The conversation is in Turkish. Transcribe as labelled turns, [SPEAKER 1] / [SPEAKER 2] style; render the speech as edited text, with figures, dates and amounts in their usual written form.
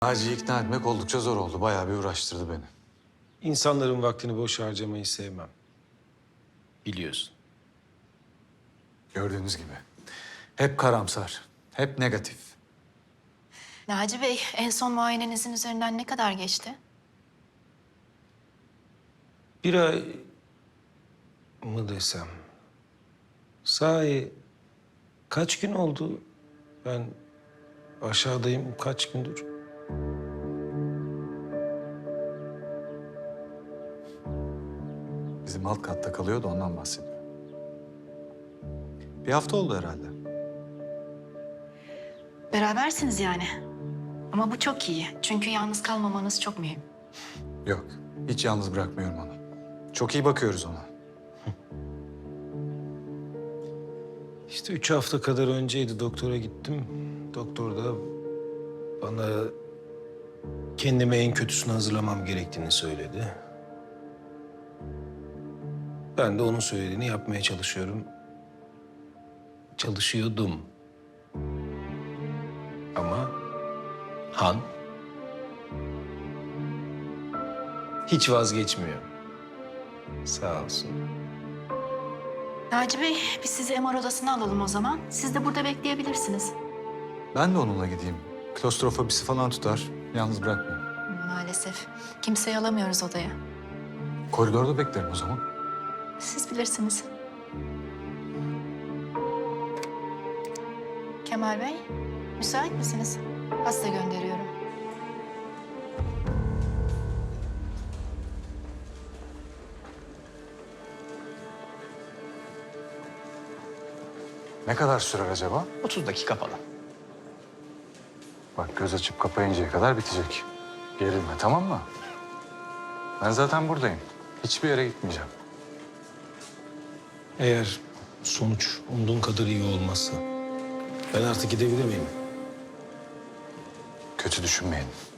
[SPEAKER 1] Naci'yi ikna etmek oldukça zor oldu. Bayağı bir uğraştırdı beni.
[SPEAKER 2] İnsanların vaktini boş harcamayı sevmem. Biliyorsun.
[SPEAKER 1] Gördüğünüz gibi. Hep karamsar, hep negatif.
[SPEAKER 3] Naci Bey, en son muayenenizin üzerinden ne kadar geçti?
[SPEAKER 2] Bir ay mı desem? Sahi kaç gün oldu? Ben aşağıdayım kaç gündür?
[SPEAKER 1] Bizim alt katta kalıyordu, ondan bahsediyor. Bir hafta oldu herhalde.
[SPEAKER 3] Berabersiniz yani. Ama bu çok iyi. Çünkü yalnız kalmamanız çok mühim.
[SPEAKER 1] Yok, hiç yalnız bırakmıyorum onu. Çok iyi bakıyoruz ona.
[SPEAKER 2] İşte 3 hafta kadar önceydi doktora gittim. Doktor da bana kendime en kötüsünü hazırlamam gerektiğini söyledi. Ben de onun söylediğini yapmaya çalışıyorum. Çalışıyordum. Ama Han hiç vazgeçmiyor. Sağ olsun.
[SPEAKER 3] Naci Bey, biz sizi MR odasına alalım o zaman. Siz de burada bekleyebilirsiniz.
[SPEAKER 1] Ben de onunla gideyim. Klostrofobisi falan tutar. Yalnız bırakmayayım.
[SPEAKER 3] Maalesef. Kimseyi alamıyoruz odaya.
[SPEAKER 1] Koridorda beklerim o zaman.
[SPEAKER 3] Siz bilirsiniz. Kemal Bey, müsait misiniz? Hasta gönderiyorum.
[SPEAKER 1] Ne kadar sürer acaba?
[SPEAKER 4] 30 dakika falan.
[SPEAKER 1] Bak, göz açıp kapayıncaya kadar bitecek. Gerilme, tamam mı? Ben zaten buradayım. Hiçbir yere gitmeyeceğim.
[SPEAKER 2] Eğer sonuç umduğun kadar iyi olmazsa ben artık gidebilir miyim?
[SPEAKER 1] Kötü düşünmeyin.